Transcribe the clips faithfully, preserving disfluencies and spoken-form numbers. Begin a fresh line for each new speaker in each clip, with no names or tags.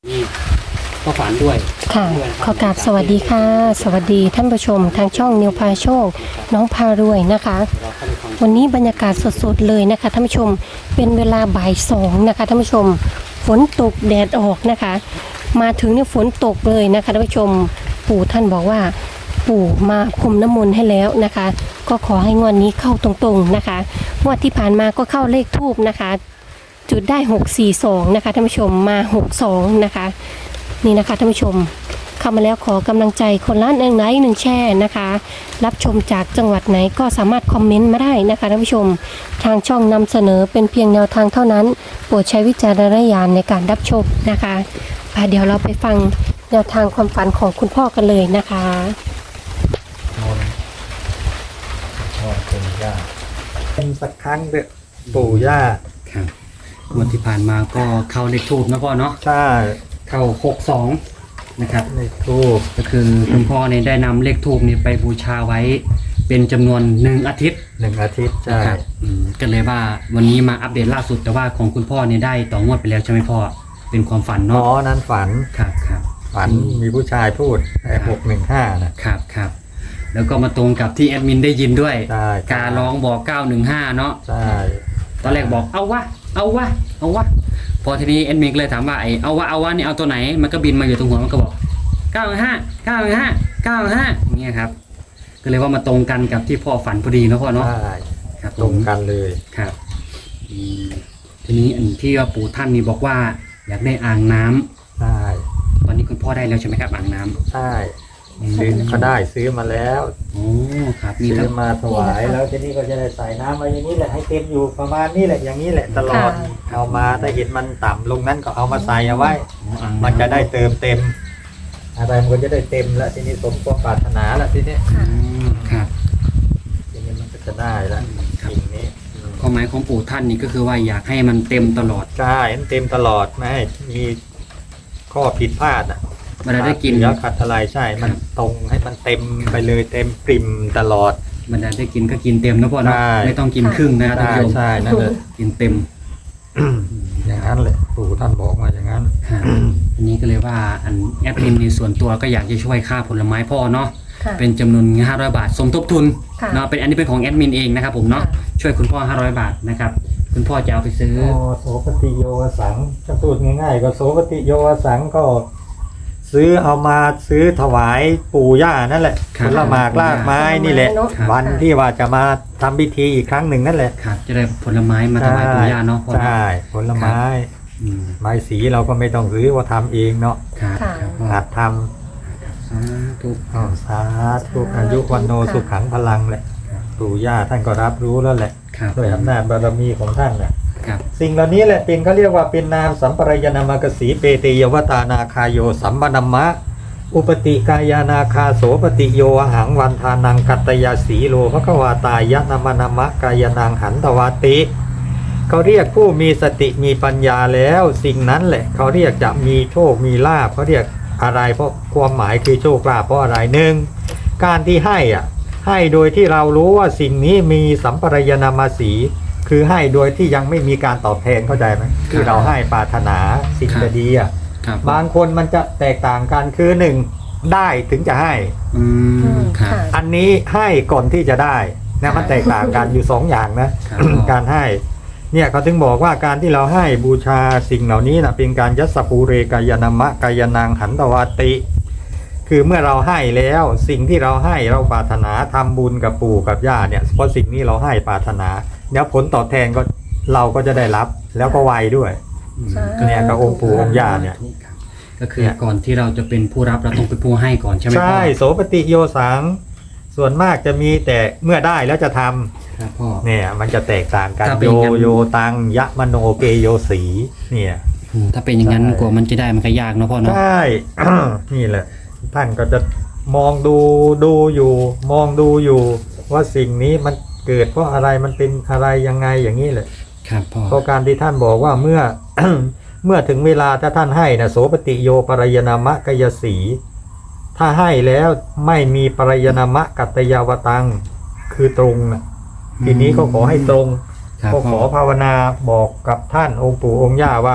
นี่ก็ฝันด้วย
ค่ะขอกราบสวัสดีค่ะสวัสดีท่านผู้ชมทางช่องนิวพาโชคน้องพารวยนะคะวันนี้บรรยากาศสดๆเลยนะคะท่านผู้ชมเป็นเวลาบ่ายสองนะคะท่านผู้ชมฝนตกแดดออกนะคะมาถึงเนี่ยฝนตกเลยนะคะท่านผู้ชมปู่ท่านบอกว่าปู่มาพรมน้ำมนต์ให้แล้วนะคะก็ขอให้งวดนี้เข้าตรงๆนะคะงวดที่ผ่านมาก็เข้าเลขทูบนะคะจุดได้หกสี่สองนะคะท่านผู้ชมมาหกสองนะคะนี่นะคะท่านผู้ชมเข้ามาแล้วขอกำลังใจคนละหนึ่งไลค์หนึ่งแชร์นะคะรับชมจากจังหวัดไหนก็สามารถคอมเมนต์มาได้นะคะท่านผู้ชมทางช่องนำเสนอเป็นเพียงแนวทางเท่านั้นโปรดใช้วิจารณญาณในการรับชมนะคะเดี๋ยวเราไปฟังแนวทางความฝันของคุณพ่อกันเลยนะคะ
นอนนอนเป็นย่าเป็นสักครั้งเถอะปู่ย่า
ครับวันที่ผ่านมาก็เข้าเลขทูบนะพ่อเนาะ
ใช่
เข้าหกสองนะครับ
เลขทูบ
ก็คือคุณพ่อเนี่ยได้นำเลขทูบนี่ไปบูชาไว้เป็นจำนวนหนึ่งอาทิตย์
หนึ่งอาทิตย์ใช่
ก็เลยว่าวันนี้มาอัปเดตล่าสุดแต่ว่าของคุณพ่อเนี่ยได้ต่องวดไปแล้วใช่ไหมพ่อเป็นความฝันเนาะ
อ๋อนั้นฝัน
ครับครับ
ฝันมีผู้ชายพูดไอ้หกหนึ่งห้านะครับ
ครับแล้วก็มาตรงกับที่แอดมินได้ยินด้วย
ใช่
การร้องบอกเก้าหนึ่งห้าเนาะ
ใช่
ตอนแรกบอกเอาวะเอาวะเอาวะพอทีนี้แอดมินก็เลยถามว่าไอ้เอาวะเอาวะนี่เอาตัวไหนมันก็บินมาอยู่ตรงหัวมันก็บอกเก้าห้าเก้าห้าเก้าห้าอย่างเงี้ยครับก็เลยว่ามาตรงกันกับที่พ่อฝันพอดีเนาะพ่อเนาะ
ใช่
ครับ
ตรงกันเลย
ครับทีนี้อันที่ว่าปู่ท่านนี่บอกว่าอยากได้อ่างน้ำ
ใช่
ตอนนี้คุณพ่อได้แล้วใช่ไหมครับอ่างน้ำ
ใช่ซื้อเขาได้ซื้อมาแล้ว
โอ้ครับ
ซื้อมาถวายแล้วทีนี้ก็จะได้ใส่น้ำมาอย่างนี้แหละให้เต็มอยู่ประมาณนี้แหละอย่างนี้แหละตลอดเอามาถ้าเห็นมันต่ำลงนั้นก็เอามาใส่เอาไว้มันจะได้เติมเต็มอะไรมันก็จะได้เต็มแล้วทีนี้สมความปรารถนาแล้วทีนี้
ครับ
ทีนี้มันก็จะได้แล้วสิ่งนี้
ความหมายของปู่ท่านนี่ก็คือว่าอยากให้มันเต็มตลอด
ใช่เต็มตลอดไม่ให้มีข้อผิดพลาดอ่ะ
เวลาได้กิน
แล้วขัดอะไรใช่มันตรงให้มันเต็มไปเลยเต็มปริ่มตลอด
มันได้กินก็กินเต็มนะพ่อเนาะไม่ต้องกินครึ่งนะครับท่านผู้ชม
ใช่นั่นเลย
กินเต็ม
อย่างนั้นเลยปู่ท่านบอกมาอย่างนั้น
อันนี้ก็เลยว่าอันแอดมินในส่วนตัวก็อยากจะช่วยค่าผลไม้พ่อเนาะเป็นจำนวนห้าร้อยบาทสมทบทุนเนาะเป็นอันนี้เป็นของแอดมินเองนะครับผมเนาะช่วยคุณพ่อห้าร้อยบาทนะครับคุณพ่อจะเอาไปซื้อ
โสปฏิโยวสังจะพูดง่ายๆก็โสปฏิโยวสังก็ซื้อเอามาซื้อถวายปู่ย่านั่นแหละผลหมากรากไม้นี่แหละวันที่ว่าจะมาทำพิธีอีกครั้งหนึ่งนั่นแหละ
ครับจะได้ผลไม้มาถวายปู่ย่าเนาะ
ใช่ผลไม้ไม้สีเราก็ไม่ต้องซื้อว่าทำเองเนาะหัดทำทุกสาธุอายุวันโนสุขังพลังแหละปู่ย่าท่านก็รับรู้แล้วแหละด้วยอำนาจบารมีของท่านน่ะสิ่งเหล่านี้แหละเป็นเขาเรียกว่าเป็นนามสัมปรายนามกสีเปเตยวตานาคาโยสัมปนัมมะอุปติกายานาคาโสปติโยหังวันทานังกัตตยาสีโลภควาตายะนามนามะกายนางหันตวาติเขาเรียกผู้มีสติมีปัญญาแล้วสิ่งนั้นแหละเขาเรียกจะมีโชคมีลาภเขาเรียกอะไรเพราะความหมายคือโชคลาภเพราะอะไรหนึ่งการที่ให้อ่ะให้โดยที่เรารู้ว่าสิ่งนี้มีสัมปรายนามาสีคือให้โดยที่ยังไม่มีการตอบแทนเข้าใจไหมที่เราให้ปรารถนาสิ่งจะดีอ่ะบางคนมันจะแตกต่างกันคือหนึ่งได้ถึงจะให้อันนี้ให้ก่อนที่จะได้นะมันแตกต่างกันอยู่สองอย่างนะการให้เนี่ยเขาถึงบอกว่าการที่เราให้บูชาสิ่งเหล่านี้นะเป็นการยัสสภูเรกายนามะกายนางหันตวาติคือเมื่อเราให้แล้วสิ่งที่เราให้เราปรารถนาทำบุญกับปู่กับย่าเนี่ยเพราะสิ่งนี้เราให้ปรารถนาเดี๋ยวผลตอบแทนก็เราก็จะได้รับแล้วก็ไวด้วยเนี่ยกับองค์ปู่องค์ย่าเนี่ย
ก็คือก่อนที่เราจะเป็นผู้รับเราต้องเป็นผู้ให้ก่อนใช่ไหม
ใช่โสปฏิโยสังส่วนมากจะมีแต่เมื่อได้แล้วจะทำเนี่ยมันจะแตกต่างกันโยโยตังยะมโนเกโยสีเนี่ย
ถ้าเป็นอย่างนั้นกว่ามันจะได้มันก็ยากเนาะพ่อเนาะ
ใช่นี่แหละท่านก็จะมองดูดูอยู่มองดูอยู่ว่าสิ่งนี้มันเกิดเพราะอะไรมันเป็นอะไรยังไงอย่างนี้แหละ
ครับพ่อ
เพราะการที่ท่านบอกว่าเมื่อ เมื่อถึงเวลาถ้าท่านให้นะโสปฏิโยปรายนามะกายสีถ้าให้แล้วไม่มีปรายนามะกัตตยาวตังคือตรงนะทีนี้ก็ขอให้ตรงก็ขอภาวนาบอกกับท่านองค์ปู่องค์ย่าว่า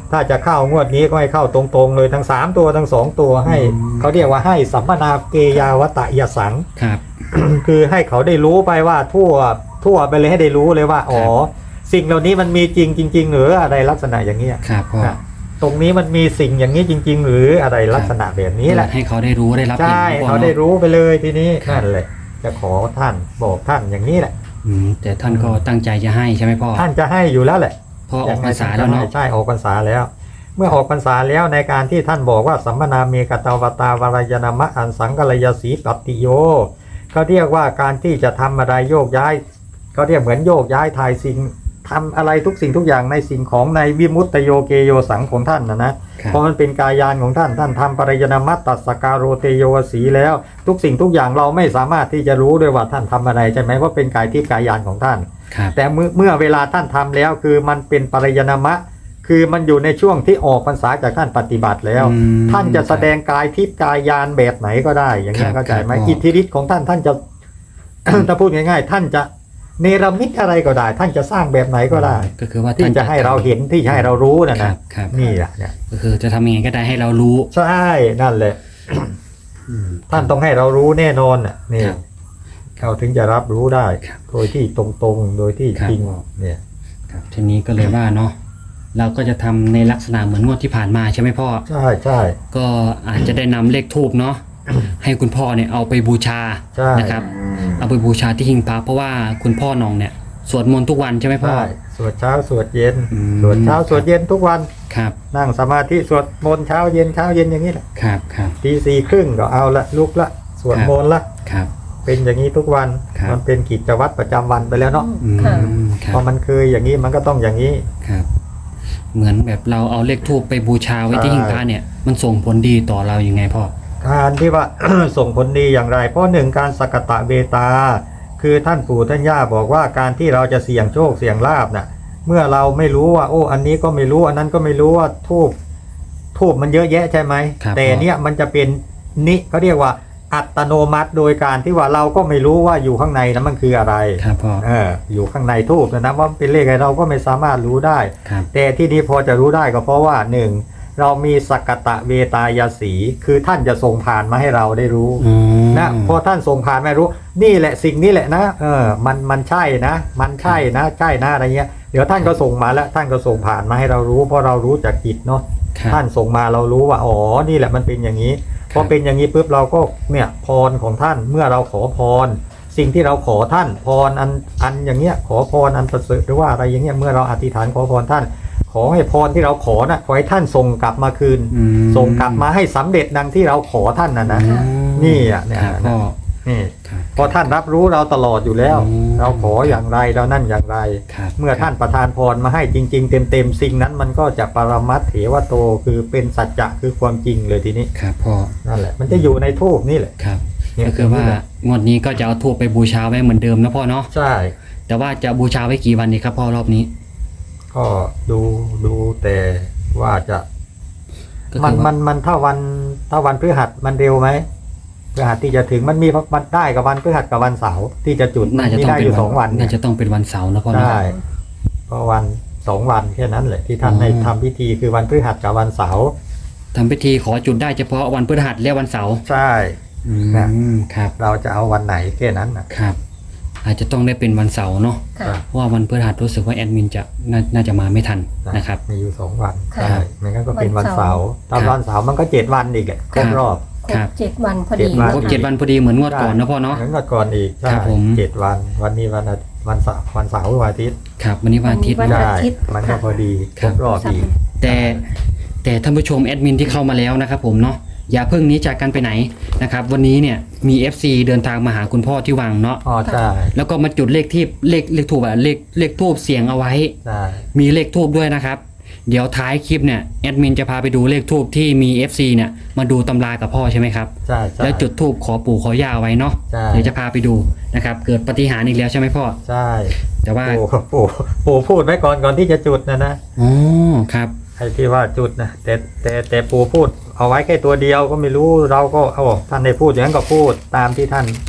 ถ้าจะเข้างวดนี้ก็ให้เข้าตรงๆเลยทั้งสามตัวทั้งสองตัวให้เขาเรียกว่าให้สัมมนาเกยาวตะยสัง
ครับ
คือให้เขาได้รู้ไปว่าทั่วทั่วไปเลยให้ได้รู้เลยว่าอ๋อสิ่งเหล่านี้มันมีจริงจริง ๆ หรืออะไรลักษณะอย่างนี้
ครับพ่อ
นะตรงนี้มันมีสิ่งอย่างนี้จริง ๆ หรืออะไรลักษณะแบบนี้แหละ
ให้เขาได้รู้ได้รับ
ใช่
ห็นนะพ่อ
เขาได้
เนาะ
รู้ไปเลยทีนี้
ครับ
นั่นแหละจะขอท่านบอกท่านอย่างนี้แหละ
อืมแต่ท่านก็ตั้งใจจะให้ใช่ไหมพ่อ
ท่านจะให้อยู่แล้วแหละ
พอออกพรรษาแล้วเนาะ
ใช่ออกพรรษาแล้ว เมื่อออกพรรษาแล้วในการที่ท่านบอกว่าสัมมนาเมกตาวตาวรายนามะอันสังกัลยสีปฏิโยเขาเรียกว่าการที่จะทำอะไรโยกย้ายเขาเรียกเหมือนโยกย้ายทายสิ่งทำอะไรทุกสิ่งทุกอย่างในสิ่งของในวิมุตตโยเกโยสังของท่านนะนะครับ เพราะมันเป็นกายานของท่านท่านทำปริยนามัตตัสสการโรเตโยวสีแล้ว ทุกสิ่งทุกอย่างเราไม่สามารถที่จะรู้ด้วยว่าท่านทำอะไรใช่ไหมเพราะเป็นกายทิพย์กายานของท่าน
ครับ
แต่เมื่อเมื่อเวลาท่านทำแล้วคือมันเป็นปริยนามะ คือมันอยู่ในช่วงที่ออกพรรษาจากท่านปฏิบัติแล้ว
อืม
ท่านจะแสดงกายทิพย์กายานแบบไหนก็ได้ อย่างนี้
ครับ
เข้าใจไหม
ครับ
อิทธิฤทธิ์ของท่านท่านจะ ถ้าพูดง่ายๆ ท่านจะเนรมิตอะไรก็ได้ ท่านจะสร้างแบบไหนก็ได้
ก็คือว่า
ที่
ท่าน
จะให้เราเห็นที่จะให้เรารู้นะ
ครั
นะ
บครับ
นี่แหละเนี่ย
ก็คือจะทำยังไงก็ได้ให้เรารู้
ใช่นั่นแหละ
อืม
ท่านต้องให้เรารู้แน่นอนน่ะนี่
ครับ
เขาถึงจะรับรู้ได้
ครับ
โดยที่ตรงๆโดยที่
ครับ
จริงเนี่ย
ครับทีนี้ก็เลยว่าเนาะเราก็จะทำในลักษณะเหมือนงวดที่ผ่านมาใช่ไหมพ่อ
ใช่ใช่
ก็อาจจะได้นำเลขทูบเนาะ ให้คุณพ่อเนี่ยเอาไปบูชา
ใช่
นะครับ เอาไปบูชาที่หิ้งพระเพราะว่าคุณพ่อน้องเนี่ยสวดมนต์ทุกวันใช่ไหมพ่อ
ใช่สวดเช้าสวดเย็น
อืม
สวดเช้าสวดเย็นทุกวัน
ครับ
นั่งสมาธิสวดมนต์เช้าเย็นเช้าเย็นอย่างนี้แหละ
ครับครับ
ตีสี่ครึ่งก็เอาละลุกละสวด
ครับ
มนต์ละ
ครับ
เป็นอย่างนี้ทุกวัน
ครับ
มันเป็นกิจวัตรประจำวันไปแล้วเนาะ
อืม
ค่ะ
ครั
พอบ มันเคยอย่างนี้มันก็ต้องอย่างนี้
ครับ เหมือนแบบเราเอาเลขทูบไปบูชาไว้ที่หิ้งพระเนี่ยมันส่งผลดีต่อเรายังไงพ่อ
การที่ว่า ส่งผลดีอย่างไร เพราะหนึ่งการสกตะเบตา คือท่านปู่ท่านย่าบอกว่าการที่เราจะเสี่ยงโชคเสี่ยงลาบน่ะ เมื่อเราไม่รู้ว่า โอ้ อันนี้ก็ไม่รู้อันนั้นก็ไม่รู้ว่าทูบทูบมันเยอะแยะใช่ไหม
ครับ
แต่เนี้ยมันจะเป็นนิเขาเรียกว่าอัตโนมัติโดยการที่ว่าเราก็ไม่รู้ว่าอยู่ข้างในนั้นมันคืออะไร
ครับพ่อ
เอออยู่ข้างในทูบนะนะว่าเป็นเลขอะไรเราก็ไม่สามารถรู้ได้
ครับ
แต่ที่นี้พอจะรู้ได้ก็เพราะว่าหนึ่งเรามีสกตะเวตายาสีคือท่านจะส่งผ่านมาให้เราได้รู้
อืม
นะพอท่านส่งผ่านมารู้ นี่แหละสิ่งนี้แหละนะเออมันมันใช่นะ มันใช่นะใช่นะอะไรเงี้ยเดี๋ยวท่านก็ส่งมาแล้วท่านก็ส่งผ่านมาให้เรารู้ เพราะเรารู้จากจิตเนาะ
ครับ
ท่านส่งมาเรารู้ว่าอ๋อนี่แหละมันเป็นอย่างนี้พอเป็นอย่างนี้ปุ๊บเราก็เนี่ยพรของท่านเมื่อเราขอพร สิ่งที่เราขอท่านพรอันอันอย่างเงี้ยขอพรอันประเสริฐหรือว่าอะไรอย่างเงี้ยเมื่อเราอธิษฐานขอพรท่าน ขอให้พรที่เราขอนะขอให้ท่านส่งกลับมาคืน
อืม
ส่งกลับมาให้สำเร็จดังที่เราขอท่านนะนะ
อืม
นี่อ่ะเนี่ย
ครับพ่อ
นี่
ครับ
เพราะท่านรับรู้เราตลอดอยู่แล้ว
อืม
เราขออย่างไรเรานั่นอย่างไร
ครับ
เมื่อท่านประทานพรมาให้จริง ๆ เต็มๆสิ่งนั้นมันก็จะปรมัตถ์เถวโตคือเป็นสัจจะคือความจริงเลยทีนี้
ครับพ่อ
นั่นแหละมันจะอยู่ในทูปนี่แหละ
ครับ
เนี่ย
ก็คือว่างวดนี้ก็จะเอาทูบไปบูชาไว้เหมือนเดิมนะพ่อเนาะ
ใช่
แต่ว่าจะบูชาไว้กี่วันดีครับพ่อรอบนี้
ก็ดูดูแต่ว่าจะ
ก็
มัน
คือ
มั
ว่าน
มันถ้าวันถ้าวันพฤหัสมันเร็วไหมพฤหัสที่จะถึงมันมีมันได้กับวันพฤหัสกับวันเสาร์ที่จะจุด
น่าจะ
มี
ต้อง
ได้
เป็
อน ยู่
วั
สองวัน
น่า
เนี่ย
จะต้องเป็นวันเสาร์นะพ่อเนาะ
ได้เพราะวันสองวันแค่นั้นแหละที่ท่าน
อืม
ให้ทำพิธีคือวันพฤหัสกับวันเสาร์
ทำพิธีขอจุดได้เฉพาะวันพฤหัสและวันเสาร์
ใช่
อื
นะ
มครับ
เราจะเอาวันไหนแค่นั้นนะครับ
อาจจะต้องได้เป็นวันเสาร์เนาะ
ค่ะ
เพราะว่าวันพฤหัสรู้สึกว่าแอดมินจะนาน่าจะมาไม่ทันนะครับ
มีอยู่สองวัน
ค่ะ
ใช่ไม่งั้นก็เป็นวันเสาร์
ครั
ถ้า
บ
วันเสาร์มันก็เจ็ดวันอีกอะครบรอบ
ครบเจ็ดวันพอดี
เจ็ดวัน
ครบเจ็ดวันพอดีเหมือนงวดก่อนนะพ่อเนาะ
งั้นก็ก่อนอีกใช่
ครับผม
เจ็ดวันวันนี้วันอาทิตย์วันเสาร์วันเสาร์วันอาทิตย์
ครับวันนี้วันอาทิตย์
วัน
ใช่
อาทิตย์
มันก็พอดีค
ครั
ร
บ
บรอบอีก
แต่แต่ท่านผู้ชมแอดมินที่เข้ามาแล้วนะครับผมเนาะอย่าเพิ่งหนี้จากกันไปไหนนะครับวันนี้เนี่ยมี เอฟ ซี เดินทางมาหาคุณพ่อที่วังเนาะ
อ๋อใช่
แล้วก็มาจุดเลขที่เลขเลขทูบอะเลขเลขทูบเสียงเอาไว้
ใช่
มีเลขทูบด้วยนะครับ เดี๋ยวท้ายคลิปเนี่ยแอดมินจะพาไปดูเลขทูบที่มี เอฟ ซี เนี่ยมาดูตำรากับพ่อใช่ไหมครับ
ใช่ใช่
แล้วจุดทูบขอปู่ขอย่าเอาไว้เนาะ
ใช่
เดี๋ยวจะพาไปดูนะครับเกิดปาฏิหาริย์อีกแล้วใช่ไหมพ่อ
ใช่
แต่ว่า
ปู่ปู่ปู่พูดไว้ก่อนก่อนที่จะจุดนะนะ
อ๋อครับ
ไอ้ที่ว่าจุดนะแต่แต่แต่ปู่พูดเอาไว้แค่ตัวเดียวก็ไม่รู้เราก็เอาท่านได้พูดอย่างนั้นก็พูดตามที่ท่าน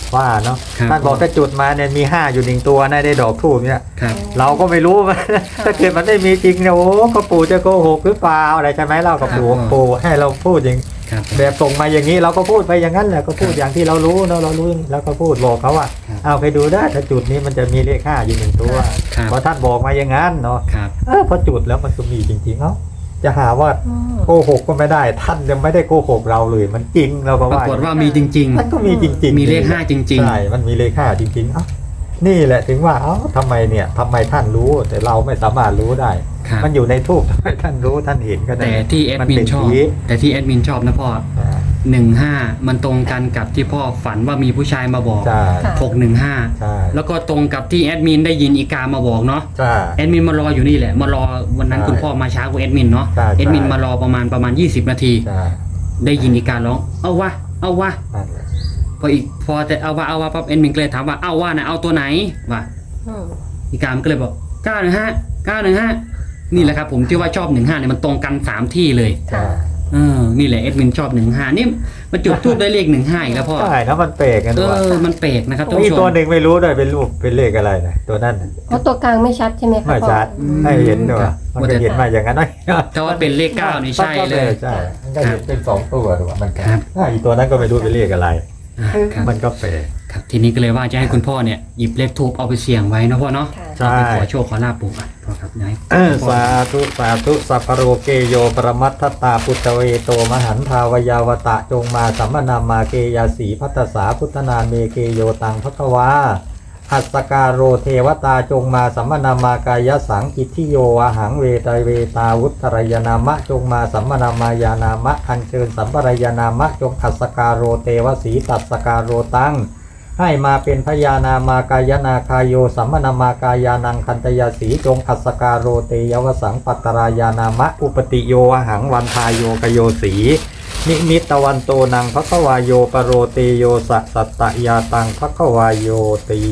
ว่าเนาะ
ครับ
ท่านบอกถ้าจุดมาเนี่ยมีห้าอยู่หนึ่งตัวนะได้ดอกทูบเนี่ย
ครับ
เราก็ไม่รู้ ถ้าเกิดมันไม่มีจริงเนี่ยโอ้ก็ปู่จะโกหกหรือเปล่าอะไรใช่ไหมเรากับปู่
ครับ
ปู่ให้เราพูดอย่าง
ครับ
แบบส่งมาอย่างนี้เราก็พูดไปอย่างนั้นแหละก็พูดอย่างที่เรารู้เนาะเรารู้แล้วก็พูดบอกเขาว่า
ครับ
เอาไปดูได้ถ้าจุดนี้มันจะมีเลขห้าอยู่หนึ่งตัว
ครับ
เพราะท่านบอกมาอย่างนั้นเนาะ
ครับ
เออพอจุดแล้วมันก็มีจริงๆเอ้าจะหาว่า
อืม
โกหกก็ไม่ได้ท่านยังไม่ได้โกหกเราเลยมันจริงเราก็
ปรา
ว่า
กฏว่ามีจริง
มันก็มีจริงๆ
มีเลขห้าจริงๆ
ใช่มันมีเลขห้าจริงๆเอ้านี่แหละถึงว่าเอ้าทำไมเนี่ยทำไมท่านรู้แต่เราไม่สามารถรู้ได้
ๆครับ
มันอยู่ในทูบทำไมท่านรู้ท่านเห็นก็ได้
แต่ที่แอดมินชอบ
เป็
แต่ที่แอดมินชอบนะพ่อ
อ่า
หนึ่งห้ามันตรงกันกับที่พ่อฝันว่ามีผู้ชายมาบอก
ใช่
ค่ะ
หกหนึ่งห้า
ใช่
แล้วก็ตรงกับที่แอดมินได้ยินอีกามาบอกเนาะ
ใช่
แอดมินมารออยู่นี่แหละมารอวันนั้น
ใช่
คุณพ่อมาช้ากว่าแอดมินเนาะ
ใช่
แอดมิน
ใช่
มารอประมาณประมาณยี่สิบนาที
ใช่
ได้ยินอีการ้องเอาวะเอาวะ
นั่นแหละ
พออีกพอแต่เอาวะเอาวะปั๊บแอดมินก็เลยถามว่าเอาวะนะเอาตัวไหนวะ
อืม
อีกามันก็เลยบอกเก้าหนึ่งห้าเก้าหนึ่งห้านี่แหละครับผมที่ว่าชอบหนึ่งห้าเนี่ยมันตรงกันสามที่เลย
ใช่
เออนี่แหละแอดมินชอบหนึ่งห้านี่มันจุดทูบได้เลขหนึ่งห้าอีกแล้วพ่อ
ใช่แล้วมันแปลกกัน
เอ
ด้วย
อมันแปลกนะครับท่าน
มี
ผู้ช
ตัว
ม
หนึ่งไม่รู้ด้วยเป็นรูปเป็นเลขอะไรนะตัวนั้นน่ะ
เพราะตัวกลางไม่ชัดใช่ไหมคะ
ไม่ชัด
พ่อ
ให้เห็นด้วย
ครับ
มันก็เห็นมาอย่างนั้นนะ
แต่ว่าเป็นเลขเก้านี่ใช่เลย
ใช่มันก็เห็นเป็นสองตัวด้วยมัน
ครับ
ถ้าอีกตัวนั้นก็ไม่รู้เป็นเลขอะไร
อ่าครับ
มันก็แปลก
ครับทีนี้ก็เลยว่าจะให้คุณพ่อเนี่ยหยิบเลขทูบเอาไปเสี่ยงไว้นะพ่อเนาะ
ค่ะ
ใช่
เอาไปขอโชคขอลาบปู่อ่ะพ่อครับนาย
เออสาธุสาธุสัพพะโรเกโยปรมัตถตาปุตตเวโตมหันทาวยาวตะจงมาสัมมนามาเกยาสีพัตตสาพุทธนาเมเกโยตังพะคะวาหัสสการโรเทวตาจงมาสัมมนามากายสังกิทิโยอาหังเวตเวตาวุตรยนามะจงมาสัมมนามายานามะอัญเชิญสัมปรายนามะจงหัสสการโรเทวสีตัสสการโรตังให้มาเป็นพญานามากายนาคายโยสัมมนามากายานังคันตยาสีจงหัสสการโรเตยวสังปัตตรายานามะอุปติโยอาหังวันทายโยกโยสีนิมิตตวันโตนังภควายโยปโรเตโยสะสัตตยาตังภควายโยตี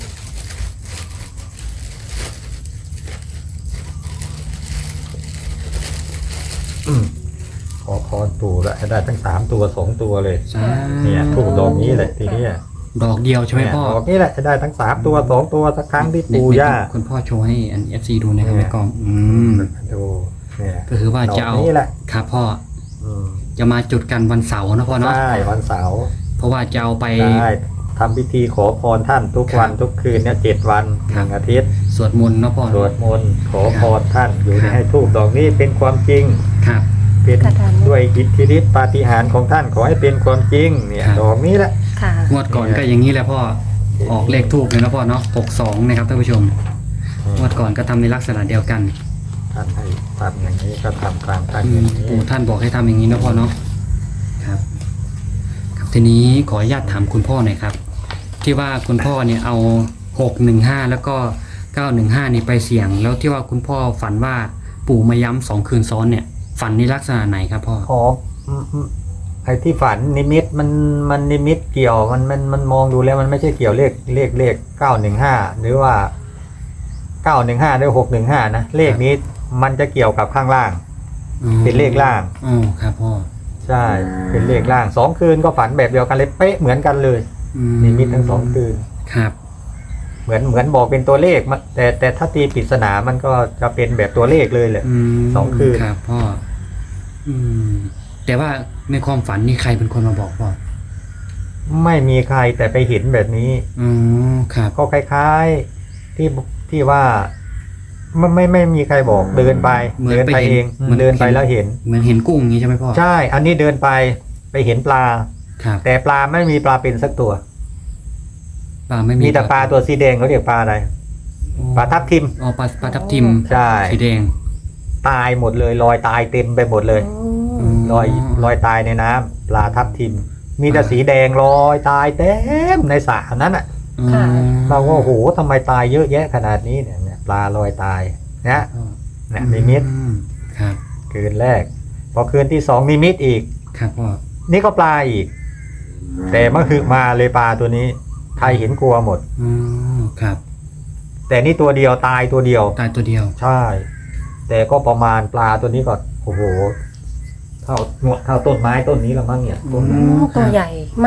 อืมขอพรปู่แล้วให้ได้ทั้งสามตัวสองตัวเลย
สา
เนี่ยถูกดอกนี้แหละทีเนี้ย
ดอกเดียวใช่ไหม
เนี่ย
พ่อ
ดอกนี้แหละจะได้ทั้งสามตัวสองตัวสักครั้งที่
ใน
ปู่
ใน
ย่า
คุณพ่อโชว์ให้อันเอฟซีดูนะครับ
เนี่
ใน
ย
กล้องอืม
ดูเนี่ย
ก็คือว่าจะเอา
ดอกนี้แหละ
ครับพ่อ
อืม
จะมาจุดกันวันเสาร์นะพ่อเนาะ
ใช่วันเสาร์
เพราะว่าจะเอาไป
ได้ทำพิธีขอพรท่านทุกวัน
ครับ
ทุกคืนเนี่ยเจ็ดวันห
ครับ
นึ่งอาทิตย์
สวดมนต์เนาะพ่อ
สวดมนต์ขอพรท่านอยู่
ครับ
ให้ทูบดอกนี้เป็นความจริง
ครับ
เป็น
กระดาน
ด้วยอิทธิฤทธิปาฏิหาริย์ของท่านขอให้เป็นความจริงเนี่ย
ครับ
ดอกนี้แหละ
ค่ะ
งวดก่อนก็อย่างนี้แหละพ่อออกเลขทูบเลยนะพ่อเนาะหกสองนะครับท่านผู้ชมงวดก่อนก็ทำในลักษณะเดียวกัน
ท่านให้ทำอย่างนี้ก็ทำตามท่าน
อื
อย่าม งนี้
ปู่ท่านบอกให้ทำอย่างนี้นะพ่อเนาะครับครับทีนี้ขออนุญาตถามคุณพ่อหน่อยครับ ที่ว่าคุณพ่อเนี่ยเอาหกหนึ่งห้าแล้วก็เก้าหนึ่งห้านี่ไปเสี่ยง แล้วที่ว่าคุณพ่อฝันว่าปู่มาย้ำสองคืนซ้อนเนี่ย ฝันในลักษณะไหนครับพ่อ
อ๋ออืมอืมไอ้ที่ฝันนิมิตมันมันนิมิตเกี่ยวมันมันมันมองดูแล้วมันไม่ใช่เกี่ยวเลขเลขเลขเก้าหนึ่งห้าหรือว่าเก้าหนึ่งห้าหรือหกหนึ่งห้านะเลขนี้มันจะเกี่ยวกับข้างล่าง
อ๋อ
เป็นเลขล่าง
อ๋อครับพ่อ
ใช่เป็นเลขล่างสองคืนก็ฝันแบบเดียวกันเลยเป๊ะเหมือนกันเลย
อื
นิมิตทั้งสองคืน
ครับ
เหมือนเหมือนบอกเป็นตัวเลขมันแต่แต่ถ้าตีปริศนามันก็จะเป็นแบบตัวเลขเลยแหละ
อืม
สองคืน
ครับพ่ออืมแต่ว่าในความฝันนี่ใครเป็นคนมาบอกพ่อ
ไม่มีใครแต่ไปเห็นแบบนี้
อ๋อครับ
ก็คล้ายๆที่ที่ว่าไม่ไม่ไม่มีใครบอกเดินไป
เหมือน
เดินไป
ไปเห็น
เอง
เหมือน
เดินไปแล้วเห็น
เหมือนเห็นกุ้งอย่างนี้ใช่ไหมพ่อ
ใช่ อันนี้เดินไปไปเห็นปลา
ครับ
แต่ปลาไม่มีปลาเป็นสักตัว
ปลาไม่มี
มีแต่ปลาตัวสีแดงเขาเรียกปลาอะไร
อ๋อ
ปลาทับทิม
อ๋อปลาปลาทับทิม
ใช่
สีแดง
ตายหมดเลยลอยตายเต็มไปหมดเลย
อืม
ลอยลอยตายในน้ำปลาทับทิม มีแต่สีแดงลอยตายเต็มในสระนั้นอ่ะ
อ๋อ
ค่ะ
เราก็โอ้โหทำไมตายเยอะแยะขนาดนี้เนี่ยเนี่ยปลาลอยตายนะ
อ๋อ
เนี่ยนิมิต
อืมครับ
คืนแรก พอคืนที่สองนิมิตอีก
ครับพ่อ
นี่ก็ปลาอีก แต่เมื่อคือมาเลยปลาตัวนี้ใครเห็นกลัวหมด
อ๋อครับ
แต่นี่ตัวเดียวตายตัวเดียว
ตายตัวเดียว
ใช่ แต่ก็ประมาณปลาตัวนี้ก็โอ้โหเท่าเท่าต้นไม้ต้นนี้ละมั้งเนี่ยต้น
อื
นั้น
ม
ตัวใหญ่มาก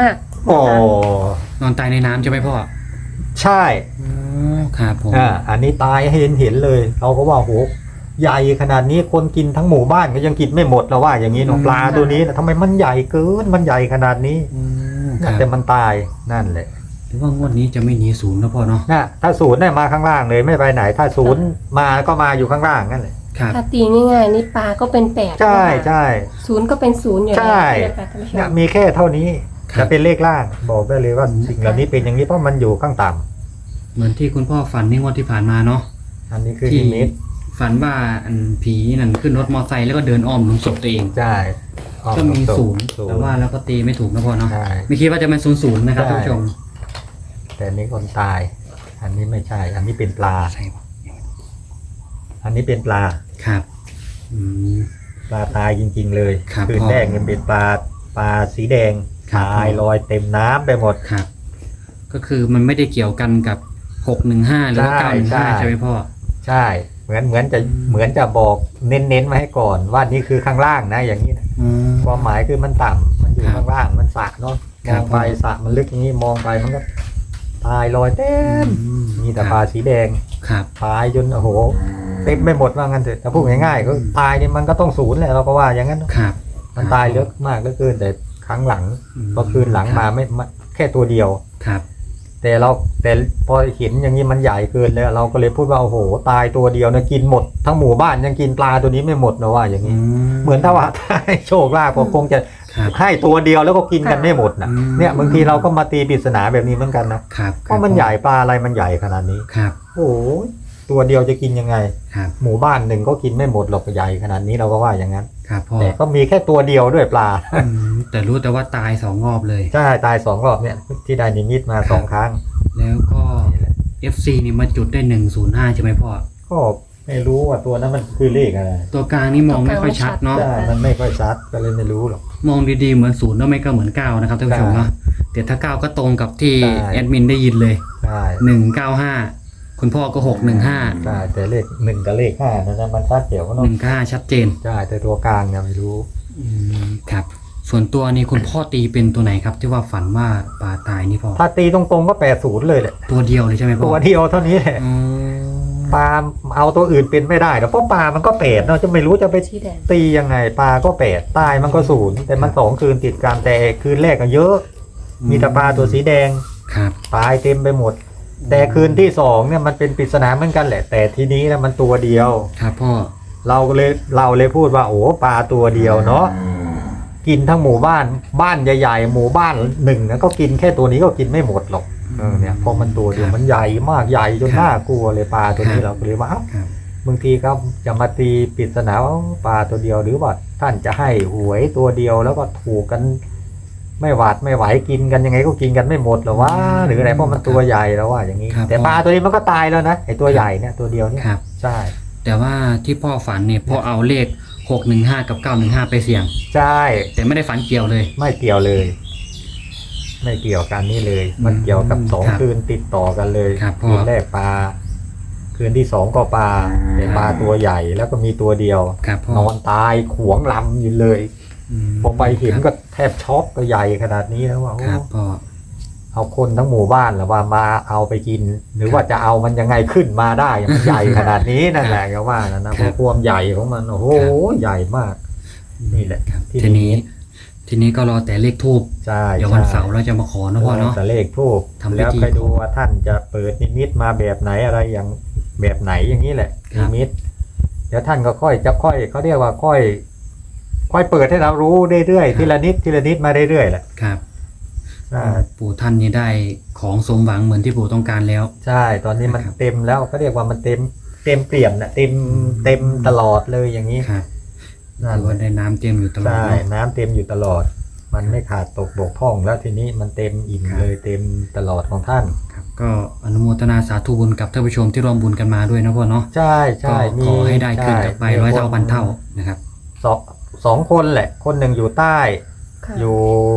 โอ้
นอนตายในน้ำใช่ไหมพ่อ
ใช่
อ๋อครับผม
อ่าอันนี้ตายให้เห็นเห็นเลย เราก็ว่าโหใหญ่ขนาดนี้คนกินทั้งหมู่บ้านก็ยังกินไม่หมดแล้วว่าอย่างนี้เนาะปลาตัวนี้นะทำไมมันใหญ่เกินมันใหญ่ขนาดนี้
อืมครั
แต่
บ
มันตายนั่นแหละ
หรือว่างวดนี้จะไม่หนีศูนย์นะพ่อเนาะ
นะถ้าศูนย์เนี่ยมาข้างล่างเลยไม่ไปไหน ถ้าศูนย์มาก็มาอยู่ข้างล่างนั่นแหละ
ครับ
ถ้าตีง่ายๆนี่ปลาก็เป็นแปด
ใช่
นะคะ
ใช่
ศูนย์ก็เป็นศูนย์อยู่แล้ว
ใช่
ใช่ไหมคะท่านผู้ช
เนี่ย
ม
มีแค่เท่านี้
ครับ
จะเป็นเลขล่างบอกได้เลยว่าสิ่งเหล่านี้เป็นอย่างนี้เพราะมันอยู่ข้างต่ำ
เหมือนที่คุณพ่อฝันในงวดที่ผ่านมาเนาะ
อันนี้คือ
ที่
นิมิต
ฝันว่าอันผีนั่นขึ้นรถมอเตอร์ไซค์แล้วก็เดินอ้อมหลุมศพตัวเอง
ใช่อ้อ
ก็มี
ตรงๆ
ศูนย์
ศูน
แต่
ย์
ว่าแล้วก็ตีไม่ถูกนะพ่อเนาะ
ใช่
ไม่คิดว่าจะเป็นศูนย์ศูนย์นะครับ
ใช่
ท่านผู้ชม
แต่อันนี้คนตาย อันนี้ไม่ใช่ อันนี้เป็นปลา
ใช่ปะ
อันนี้เป็นปลา
ครับอืม
ปลาตายจริง ๆ เลย
ครับ
คืน
พ่อ
แรกเนี่ยเป็นปลาปลาสีแดง
ครับ
ตายลอยเต็มน้ำไปหมด
ครับ ก็คือมันไม่ได้เกี่ยวกันกับหกหนึ่งห้าหรือว่า
ใช่
เก้าหนึ่ง
ใช่
ห้าใช่ไหมพ่อ
ใช่ เหมือนเหมือนจะเหมือนจะบอกเน้นๆมาให้ก่อน ว่านี่คือข้างล่างนะอย่างนี้นะ
อืม
ความหมายคือมันต่ำมันอยู่
ครับ
ข้างล่างมันสระเนาะ
ค
ม
รับ
องไปสระมันลึกอย่างนี้มองไปมันก็ตายลอยเต็ม
อืม
มีแต่ปลาสีแดง
ครับ
ตายจนโอ้โหเต็มไม่หมดว่างั้นเถอะแต่พูดง่ายๆก็ตายนี่มันก็ต้องศูนย์แหละเราก็ว่าอย่างนั้นเนอะ
ครับ
มันตายเยอะมากเหลือเกินแต่ครั้งหลัง
อืม
พอคืนหลังมาไม่ไม่แค่ตัวเดียว
ครับ
แต่เราแต่พอเห็นอย่างนี้มันใหญ่เกินเลยเราก็เลยพูดว่าโอ้โหตายตัวเดียวนะกินหมดทั้งหมู่บ้านยังกินปลาตัวนี้ไม่หมดนะว่าอย่างนี้ เหมือนถ้าว่าถ้าให้โชคลาภก็คงจะ
ครับ
ให้ตัวเดียวแล้วก็กินกันไม่หมดนะ
อืม
เนี่ยบางทีเราก็มาตีปริศนาแบบนี้เหมือนกันนะครับ เพราะมันใหญ่ปลาอะไรมันใหญ่ขนาดนี้
ครับ
โอ้โหตัวเดียวจะกินยังไง
ครับ
หมู่บ้านหนึ่งก็กินไม่หมดหรอกใหญ่ขนาดนี้เราก็ว่าอย่างนั้น
ครับพ่อ
แต่ก็มีแค่ตัวเดียวด้วยปลา
อืมแต่รู้แต่ว่าตายสองรอบเลย
ใช่ตายสองรอบเนี่ยที่ได้นิมิตมาสองครั้ง
แล้วก็
นี่แหละ
เอฟ ซี นี่มาจุดได้หนึ่งศูนย์ห้าใช่ไหมพ่อ
ก็ไม่รู้ว่าตัวนั้นมันคือเลขอะไร
ตัวกลางนี่มองไม่ค่อยชัดเนาะ
ใช่มันไม่ค่อยชัดก็เลยไม่รู้หรอก
มองดีๆเหมือนศูนย์แล้วไม่ก็เหมือนเก้านะครับท่านผู้ชมเนาะแต่ถ้าเก้าก็ตรงกับที่
ใช่
แอดมินได้ยินเลย
ใช่
หนึ่งเก้าห้าคุณพ่อก็หกหนึ่งห้า
ใช่แต่เลขหนึ่งกับเลขห้านะนะมันชัดเดี๋ยวก็
ห
เนาะ
นึ่งเก้าห้าชัดเจน
ใช่แต่ตัวกลางเนี่ยไม่รู้
อืมครับ ส่วนตัวนี่คุณพ่อตีเป็นตัวไหนครับ ที่ว่าฝันว่าปลาตายนี่พ่อ
ถ้าตีตรงๆก็แปดศูนย์เลยแหละ
ตัวเดียวเลยใช่ไหมพ่อ
ตัวเดียวเท่านี้แหละ
อืม
ปลาเอาตัวอื่นเป็นไม่ได้นะเพราะปลามันก็แปดเนาะจะไม่รู้จะไป
สีแดง
ตียังไงปลาก็แปดตายมันก็ศูนย์แต่มันสองคืนติดกันแต่คืนแรกก็เยอะ มีแต่ปลาตัวสีแดง
ครับ
ตายเต็มไปหมด แต่คืนที่สองเนี่ยมันเป็นปริศนาเหมือนกันแหละ แต่ทีนี้นะมันตัวเดียว
ครับพ่อ
เราก็เลยเราเลยพูดว่าโอ้ปลาตัวเดียวเนาะกินทั้งหมู่บ้านบ้านใหญ่ๆหมู่บ้านหนึ่งนะก็กินแค่ตัวนี้ก็กินไม่หมดหรอกเออเนี่ยเพราะมันตัวเดียวมันใหญ่มากใหญ่จนน่ากลัวเลยปลาตัวนี้เราก็เลยว่าเอ้า
ครับ
บางทีก็จะมาตีปริศนาว่าปลาตัวเดียวหรือว่าท่านจะให้หวยตัวเดียวแล้วก็ถูกกันไม่หวาดไม่ไหวกินกันยังไงก็กินกันไม่หมดหรอวะหรืออะไรเพราะมันตัวใหญ่แล้วว่าอย่างนี้
ครับ
แต่ปลาตัวนี้มันก็ตายแล้วนะไอตัวใหญ่เนี่ยตัวเดียวเนี่ย
ครับ
ใช่
แต่ว่าที่พ่อฝันเนี่ยพ่อเอาเลขหกหนึ่งห้ากับเก้าหนึ่งห้าไปเสี่ยง
ใช่
แต่ไม่ได้ฝันเกี่ยวเลย
ไม่เกี่ยวเลย ไม่เกี่ยวกันนี่เลย มันเกี่ยวกับสอง
ครับ
คืนติดต่อกันเลย
ครับพ่อ
คืนแรกปลาคืนที่สองก็ปลาแต่ปลาตัวใหญ่แล้วก็มีตัวเดียว
ครับพ่อน
อนตายขวงลำอยู่เลย
ม
พอไปเห็น
ครับ
ก็แทบช็อกก็ใหญ่ขนาดนี้แล้วว่าโอ้
ครับพ่อ
เอาคนทั้งหมู่บ้านหรือว่ามาเอาไปกิน หรือว่าจะเอามันยังไงขึ้นมาได้มันใหญ่ขนาดนี้นั่นแหละก็ว่านะนะเพราะความใหญ่ของมันโอ้โหใหญ่มาก นี่แหละ
ครับ
ที่
ทีนี้ ทีนี้ก็รอแต่เลขทูบ
ใช่
เดี๋ยววันเสาร์เราจะมาขอนะพ่อเนาะ
แต่เลขทูบ
ทำพิธี
แล้วไปดูว่าท่านจะเปิดนิมิตมาแบบไหนอะไรอย่างแบบไหนอย่างนี้แหละ
ครั
นิ
บ
มิตเดี๋ยวท่านก็ค่อยจะค่อยเขาเรียกว่าค่อย ค่อยเปิดให้เรารู้เรื่อยๆทีละนิดทีละนิดมาเรื่อยๆแหละ
ครับ
อ่า
ปู่ท่านนี่ได้ของสมหวังเหมือนที่ปู่ต้องการแล้ว
ใช่ ตอนนี้มัน
ครับ
เต็มแล้วเขาเรียกว่ามันเต็มเต็มเปี่ยมนะเต็มเต็มตลอดเลยอย่างนี้
ครับ
นั่น
ถือว่าได้น้ำเต็มอยู่ตลอด
ใช่
เนาะ
น้ำเต็มอยู่ตลอด มันไม่ขาดตกบกพร่องแล้วทีนี้มันเต็มอิ่ม
ครับ
เลยเต็มตลอดของท่าน
ครับก็อนุโมทนาสาธุบุญกับท่านผู้ชมที่ร่วมบุญกันมาด้วยนะพ่อเนาะ
ใช่
ก็
ใช่มี
ขอให้ได้ขึ้นกลับไป
ใช่
ร้อย
มี
เท่า
ค
พันเท่านะครับ
สองสองคนแหละ คนหนึ่งอยู่ใต้
ค่ะ
อยู่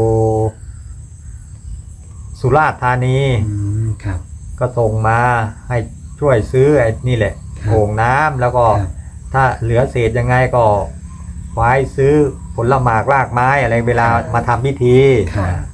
สุราษฎร์ธานี
อืมครับ
ก็ส่งมาให้ช่วยซื้อไอ้นี่แหละ
ครับ
โอ่งน้ำแล้วก็
ครับ
ถ้าเหลือเศษยังไงก็ไว้ซื้อผลหมากรากไม้อะไรเวลามาทำพิธี
ครับ
เ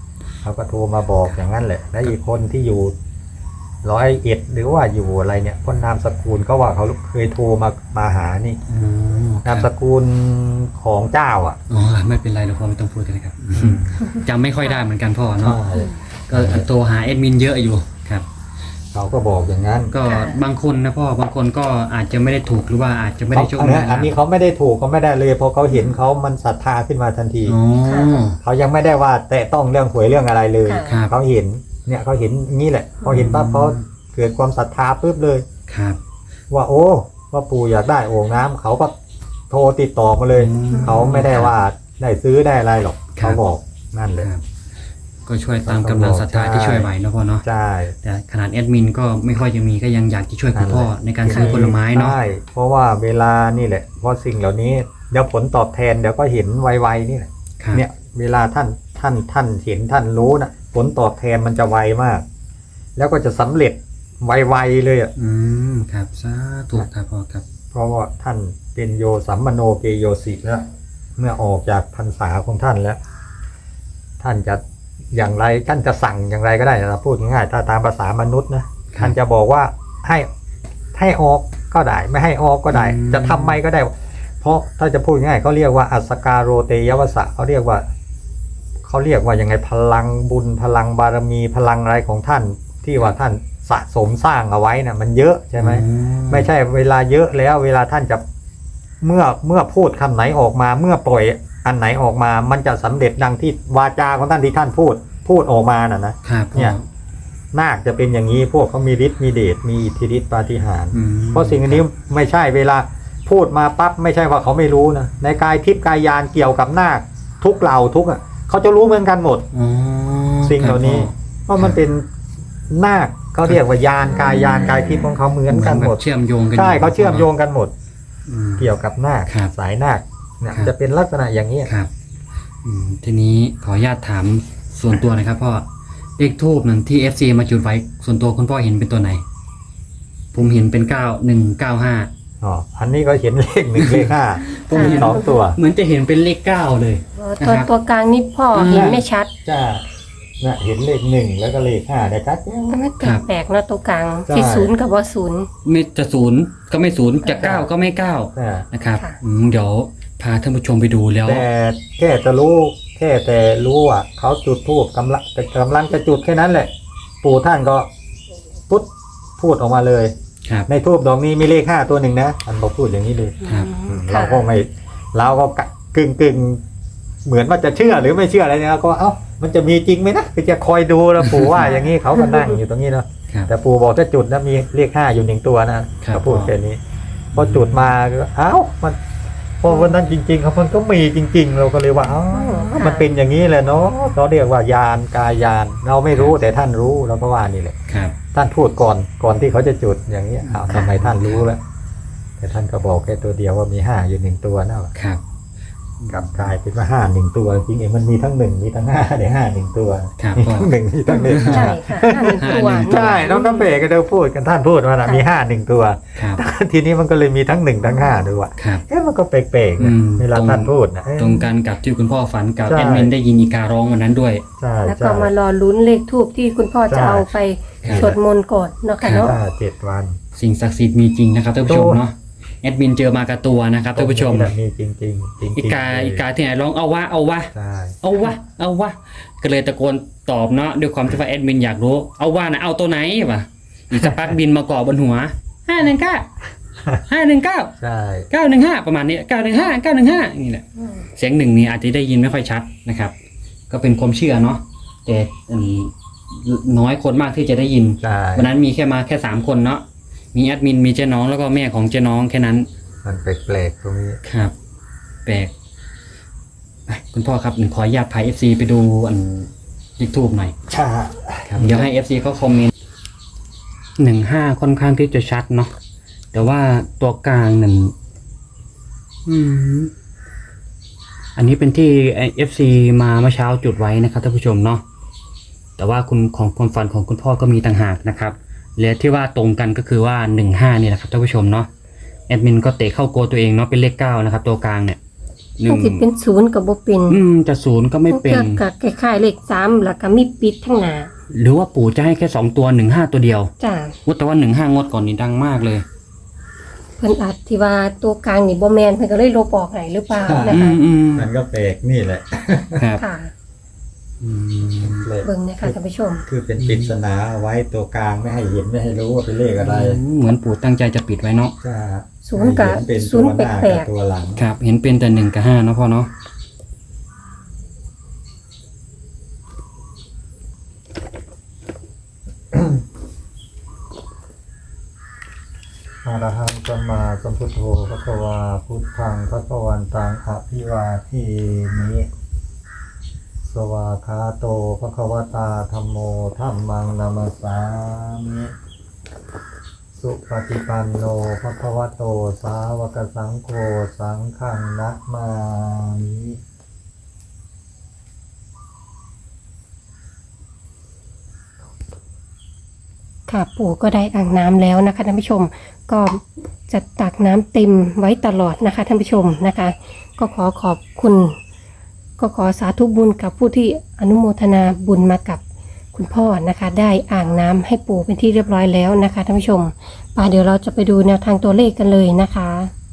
เขาก็โทรมาบอกอย่างนั้นแหละแล้วอีกคนที่อยู่ร้อยเอ็ดหรือว่าอยู่อะไรเนี่ยคนนามสกุลก็ว่าเขาเคยโทรมามาหานี่
อ๋อครั
นา
บ
มสกุลของเจ้าอ่ะ
อ๋อไม่เป็นไรหรอกพ่อไม่ต้องพูดกันนะครับจำไม่ค่อยได้เหมือนกันพ่อเนาะก็โทรหาแอดมินเยอะอยู่ครับ
เขาก็บอกอย่างนั้น
ก็บางคนนะพ่อบางคนก็อาจจะไม่ได้ถูกหรือว่าอาจจะไม่ได้โชค
อัน
ดี
นี้อันนี้เขาไม่ได้ถูกเขาไม่ได้เลยเพราะเขาเห็นเขามันศรัทธาขึ้นมาทันที
อ๋อ
เขายังไม่ได้ว่าแต่ต้องเรื่องหวยเรื่องอะไรเลย
ครับ
เขาเห็นเนี่ยเขาเห็นงี้แหละพอเห็นปั๊บเขาเกิดความศรัทธาปุ๊บเลย
ครับ
ว่าโอ้ว่าปู่อยากได้โอ่งน้ำเขาก็โทรติดต่อมาเลย
อืม
เขาไม่ได้ว่าได้ซื้อได้อะไรหรอก
ครับ
เขาบอกนั่นเลย
ครับก็ช่วยตามกำลังศรัทธาที่ช่วยไหวเนาะพ่อเนาะ
ใช่
แต่ขนาดแอดมินก็ไม่ค่อยจะมีก็ยังอยากจะช่วยคุณพ่อในการซื้อผลไม้เนาะ
ใช่เพราะว่าเวลานี่แหละเพราะสิ่งเหล่านี้เดี๋ยวผลตอบแทนเดี๋ยวก็เห็นไวๆนี่แหละ
ครับ
เนี่ยเวลาท่านท่านท่านเห็นท่านรู้นะผลตอบแทนมันจะไวมาก แล้วก็จะสำเร็จไวๆเลยอ่ะ
อืมครับสาธุครับพ่อครับ
เพราะว่าท่านเป็นโยสัมมโนเกโยสิแล้วเมื่อออกจากพรรษาของท่านแล้ว ท่านจะอย่างไรท่านจะสั่งอย่างไรก็ได้นะพูดง่ายๆถ้าตามภาษามนุษย์นะท่านจะบอกว่าให้ให้ออกก็ได้ ไม่ให้ออกก็ได้ จะทำไมก็ได้ เพราะถ้าจะพูดง่ายเขาเรียกว่าอัสสการโรเตยวสะเขาเรียกว่าเขาเรียกว่ายังไงพลังบุญพลังบารมีพลังอะไรของท่าน ที่ว่าท่านสะสมสร้างเอาไว้นะมันเยอะใช่ไหม
อื
ไม่ใช่เวลาเยอะแล้วเวลาท่านจะเมื่อเมื่อพูดคำไหนออกมา เมื่อปล่อยอันไหนออกมา มันจะสำเร็จดังที่วาจาของท่านที่ท่านพูด พูดออกมาน่ะนะครับ
พ่อ
เนี่ยนาคจะเป็นอย่างนี้พวกเขามีฤทธิ์มีเดชมีอิทธิฤทธิปาฏิหาริย์
อืม
เพราะสิ่งอันนี้ไม่ใช่เวลาพูดมาปั๊บไม่ใช่ว่าเขาไม่รู้นะในกายทิพย์กายยานเกี่ยวกับนาคทุกเหล่าทุกอ่ะเขาจะรู้เหมือนกันหมด
อ๋อ
สิ่งเหล่านี้
ครับ
เพราะมันเป็นนาคเขาเรียกว่ายานกายยานกายทิพย์ของเขาเหมื
พ่
อนกันหมด
เชื่อมโยงกัน
ใช่เขาเชื่อมโยงกันหมด
อืม
เกี่ยวกับนาค
ครับ
สายนาคเนี่ย
ครับ
จะเป็นลักษณะอย่างนี้
ครับอืมทีนี้ขออนุญาตถามส่วนตัวหนะครับพ่อเลขทูบนั้นที่ เอฟ ซี มาจุดไว้ส่วนตัวคุณพ่อเห็นเป็นตัวไหน ผมเห็นเป็นเก้าหนึ่งเก้าห้า
อ๋ออันนี้ก็เห็นเลขหนึ่งเลขห้า
ผมเห็น
สองตัว
เหมือนจะเห็นเป็นเลขเก้าเลย
ตัว
นะครับ
ตัวกลางนี่พ่อ
อืม
เห็นไม่ชัด
จ้าน่ะเห็นเลขหนึ่งแล้วก็เลขห้าได้ชัดแจ๋ว
ก็ไม่
ครับ
แปลกๆเนาะตัวกลาง
ใช่
ที่ศูนย์กับว่าศูนย์
ไม่จะศูนย์ก็ไม่ศูนย์จะเก้าก็ไม่เก้า
อ่า
นะครับ
ค่ะ
อืมเดี๋ยวพาท่านผู้ชมไปดูแล้ว
แต่แค่จะรู้แค่แต่รู้ว่าเขาจุดทูบกำลังแต่กำลังจะจุดแค่นั้นแหละ ปู่ท่านก็ปุ๊บพูดออกมาเลย
ครับ
ในทูบดอกนี้มีเลขห้าตัวหนึ่งนะท่านบอกพูดอย่างนี้เลย
ครับ
อืม
ค่ะ
เราก็ไม่เราก็กึ่งกึ่งเหมือนว่าจะเชื่อหรือไม่เชื่ออะไรเนี่ยเราก็เอ้ามันจะมีจริงไหมนะก็จะคอยดูแล้วปู่ว่าอย่างนี้เขาก็นั่งอยู่ตรงนี้เนาะ
ครับ
แต่ปู่บอกถ้าจุดนะมีเลขห้าอยู่หนึ่งตัวนะครับ เขาพูดแค่นี้พอจุดมาก็เอ้ามันพอวันนั้นจริงๆครับมันก็มีจริง ๆ เราก็เลยว่าเอ้ามันเป็นอย่างนี้แหละเนาะเขาเรียกว่ายานกายยาน เราไม่รู้แต่ท่านรู้เราก็ว่านี่แหละ
ครับ
ท่านพูดก่อนก่อนที่เขาจะจุดอย่างนี้อ้าวทำไมท่านรู้แล้วแต่ท่านก็บอกแค่ตัวเดียวว่ามีห้าอยู่หนึ่งตัวนะครับ กลับกลายเป็นว่าห้าหนึ่งตัวจริงๆเองมันมีทั้งหนึ่งมีทั้งห้าเดี๋ยวห้าหนึ่งตัว
ครับ
มี
พ่อ
ทั้งหนึ่งมีทั้งหนึ่ง
ใช่ค่ะห้าหนึ่งตัว
ห้าหนึ่ง
ใช่น้องกาแฟก็เดินพูดกันท่านพูดว่านะมีห้าหนึ่งตัว
ครับ
ทีนี้มันก็เลยมีทั้งหนึ่งทั้งห้าด้วยว่ะ
ครับ
เอ๊ะมันก็แปลกๆนะ
อืม
เวลาท่านพูดนะเอ๊ะ
ตรงกันกับที่คุณพ่อฝันกับ
ใช่
แอดมินได้ยินอีการ้องวันนั้นด้วย
ใช่
แล้ว
ใช่
ก็มารอลุ้นเลขทูบที่คุณพ่อจะ
ใช่
เอาไป
ครับ
สวดมนต์ก่อนเนาะค่ะเนาะ
ห้าเจ็ดวัน
สิ่งศักดิ์สิทธิ์มีจริงนะครับท่านผู้ชม
โอ้
เนาะแอดมินเจอมากับตัวนะครับท่านผู้ชม
ตรงนี้แหละมีจริงๆจริงๆจริงๆ
อีกาอีกาที่ไหนร้องเอาวะเอาวะ
ใช่
เอาวะเอาวะก็เลยตะโกนตอบเนาะด้วยความที่ว่าแอดมินอยากรู้เอาว่านะเอาตัวไหนวะอีกสักพักบินมาเกาะบนหัวห้าหนึ่งเก้าห้าหนึ่งเก้า
ใช่
เก้าหนึ่งห้าประมาณนี้เก้าหนึ่งห้าเก้าหนึ่งห้านี่แหละเสียงหนึ่งนี่อาจจะได้ยินไม่ค่อยชัดนะครับ ก็เป็นความเชื่อเนาะแต่อืมน้อยคนมากที่จะได้ยิน
ใช่
วันนั้นมีแค่มาแค่สามคนเนาะมีแอดมินมีเจ๊น้องแล้วก็แม่ของเจ๊น้องแค่นั้น
มันแปลกๆตรงนี้
ครับแปลกไปคุณพ่อครับขออนุญาตพาเอฟซีไปดูอันยูทูบหน่อย
ใช่
ครับเดี๋ยวให้เอฟซีเขาคอมเมนต์หนึ่งห้าค่อนข้างที่จะชัดเนาะแต่ว่าตัวกลางนั่นอืมอันนี้เป็นที่เอฟซีมาเมื่อเช้าจุดไว้นะครับท่านผู้ชมเนาะแต่ว่าคุณของความฝันของคุณพ่อก็มีต่างหากนะครับและที่ว่าตรงกันก็คือว่าหนึ่งห้านี่แหละครับท่านผู้ชมเนาะแอดมินก็เตะเข้าโกตัวเองเนาะเป็นเลขเก้านะครับตัวกลางเนี่ยหนึ่
มั
ง
นสิเป็นศูนย์กับบ่เป็น
อืมจะศูนย์ก็ไม่เป็น
กับคล้ายๆเลขสามแล้วก็มีปิดทั้งหน้า
หรือว่าปู่จะให้แค่สองตัวหนึ่งห้าตัวเดียว
จ้า
ว่าแต่ว่าหนึ่งห้างวดก่อนนี่ดังมากเลย
เพิ่นอาจที่ว่าตัวกลางนี่บ่แม่นเพิ่นก็เลยลบออกให้หรือเปล่านะ
อื
คะ
มอืม
มันก็แปลกนี่แหละ
ครับ
ค่ะ
อืม
แปลก
เบิ่งนะคะท่านผู้ชม
คือเป็นปริศนาเอาไว้ตัวกลางไม่ให้เห็นไม่ให้รู้ว่าเป็นเลขอะไร
เหมือนปู่ตั้งใจจะปิดไว้เนาะ
จะ
ศูนย์กับ
ให้เห็เป็น
ศู
ตั
น
ว
ย์
หน้า
แปล
กับ
ก
ตัวหลัง
ครับ เห็นเป็นแต่หนึ่งกับห้าเนาะพ่อเนาะ
อะระหังสัมมาสัมพุทโธพระวาพุทธังพระวันตังอภิวาเทมิสวาคาโตพระควตาธัมโมธัมมังนามัสสามิสุปฏิปันโนพระควโตสาวกสังโฆสังฆังนะมามิ
ค่ะปู่ก็ได้อ่างน้ำแล้วนะคะท่านผู้ชมก็จะตักน้ำเต็มไว้ตลอดนะคะท่านผู้ชมนะคะ ก็ขอขอบคุณ ก็ขอสาธุบุญกับผู้ที่อนุโมทนาบุญมากับคุณพ่อนะคะ ได้อ่างน้ำให้ปู่เป็นที่เรียบร้อยแล้วนะคะท่านผู้ชมป่าเดี๋ยวเราจะไปดูแนวทางตัวเลขกันเลยนะคะ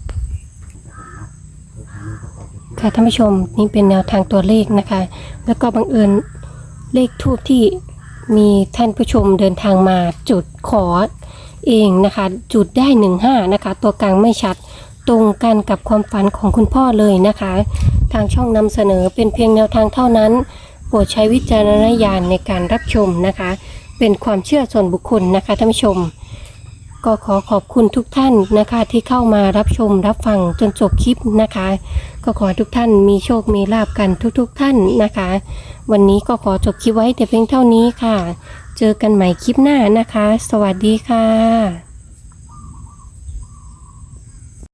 ค่ะท่านผู้ชมนี่เป็นแนวทางตัวเลขนะคะ แล้วก็บังเอิญเลขทูปที่มีท่านผู้ชมเดินทางมาจุดขอเองนะคะ จุดได้หนึ่งห้านะคะ ตัวกลางไม่ชัดตรงกันกับความฝันของคุณพ่อเลยนะคะ ทางช่องนำเสนอเป็นเพียงแนวทางเท่านั้นโปรดใช้วิจารณญาณในการรับชมนะคะ เป็นความเชื่อส่วนบุคคลนะคะท่านผู้ชม ก็ขอขอบคุณทุกท่านนะคะที่เข้ามารับชมรับฟังจนจบคลิปนะคะ ก็ขอให้ทุกท่านมีโชคมีลาภกันทุกๆท่านนะคะ วันนี้ก็ขอจบคลิปไว้แต่เพียงเท่านี้ค่ะ เจอกันใหม่คลิปหน้านะคะ สวัสดีค่ะ